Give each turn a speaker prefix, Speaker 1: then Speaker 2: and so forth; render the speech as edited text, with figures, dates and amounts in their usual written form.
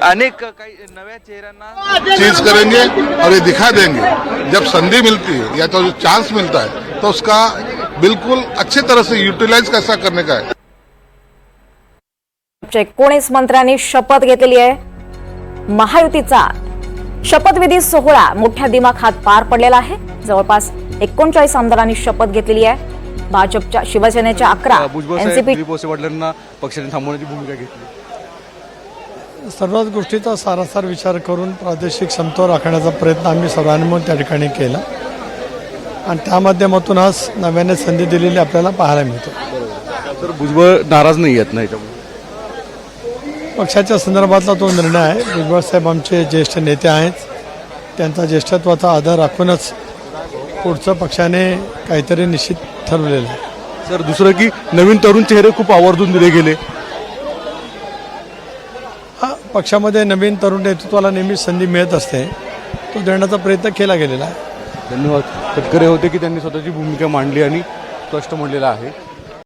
Speaker 1: अनेक काही नव्या चेहऱ्यांना
Speaker 2: चीज करेंगे और ये दिखा देंगे जब संधि मिलती है या तो जो चांस मिलता है तो उसका बिल्कुल अच्छे तरह से यूटिलाइज कैसा करने का है।
Speaker 3: 19 मंत्र्यांनी शपथ घेतलेली आहे। महायुतीचा शपथविधी सोहळा मोठ्या दिमाखात पार पडलेला आहे। जवळपास 39 आमदारांनी शपथ घेतलेली आहे। भाजपच्या शिवसेनेच्या 11 एनसीपी
Speaker 4: वडिलांना पक्षाने थांबवण्याची भूमिका घेतली।
Speaker 5: सर्वच गोष्टीचा सारासार विचार करून प्रादेशिक समतोल राखण्याचा प्रयत्न आम्ही सर्वांनी मिळून त्या ठिकाणी केला आणि त्या माध्यमातून आज नव्याने संधी दिलेली आपल्याला पाहायला मिळते।
Speaker 4: तर भुजबळ नाराज नाही आहेत ना याच्यामुळे?
Speaker 5: पक्षाच्या संदर्भातला तो निर्णय आहे। भुजबळ साहेब आमचे ज्येष्ठ नेते आहेत, त्यांचा ज्येष्ठत्वाचा आदर राखूनच पुढचं पक्षाने काहीतरी निश्चित ठरवलेलं आहे।
Speaker 4: सर दुसरं की नवीन तरुण चेहरे खूप आवर्जून दिले गेले।
Speaker 5: पक्षामध्ये नवीन तरुण नेतृत्वाला नेहमी संधी मिळत असते, तो देण्याचा प्रयत्न केला गेलेला आहे।
Speaker 4: धन्यवाद। तटकरे होते की त्यांनी स्वतःची भूमिका मांडली आणि स्पष्ट म्हणलेलं आहे